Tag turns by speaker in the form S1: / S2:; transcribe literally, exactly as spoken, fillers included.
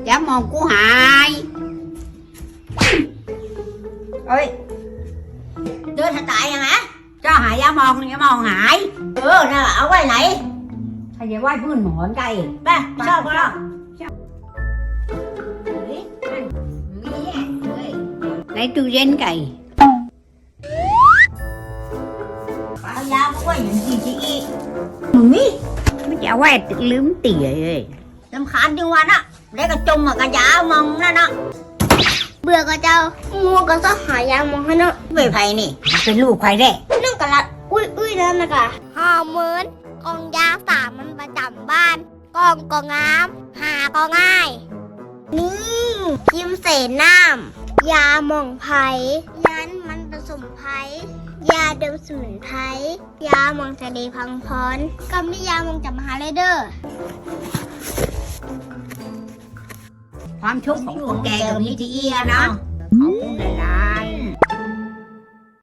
S1: ยามองกูหายเอ้ยเดินถ่ายยังไงcho hại giá mòn giá mòn hại ừ nè ở quay này thầy về quay vươn mòn cây ba sao sao lấy tu gen cây bao giá có quay những gì chị mì mới chả quay tự lướm tỉa rồi làm khán đi ngoan á lấy cái chung mà cái giá mong nó nó
S2: เบื่อก็เจ้ามัวก็ต้องหายามองให้เนาะ
S1: về thầy nèเป็นลูกใครแน่
S2: นั่งกะละอุ้ยอุ้ยนั่นนะกะหอมเหมือนกองยาสามมันประจำบ้านกองก็งามหาก็ง่ายนี่ยิ้มเสน้ำยาหม่องไผ่ยันมันผสมไผ่ยาเดิมสมุนไพรยาหม่องทะเลพังพรก็มียาหม่องจับมหาเลยเด้อ
S1: ความชุกของคนแก่ตรงนี้ที่เอียเนาะขอบคุณหลาย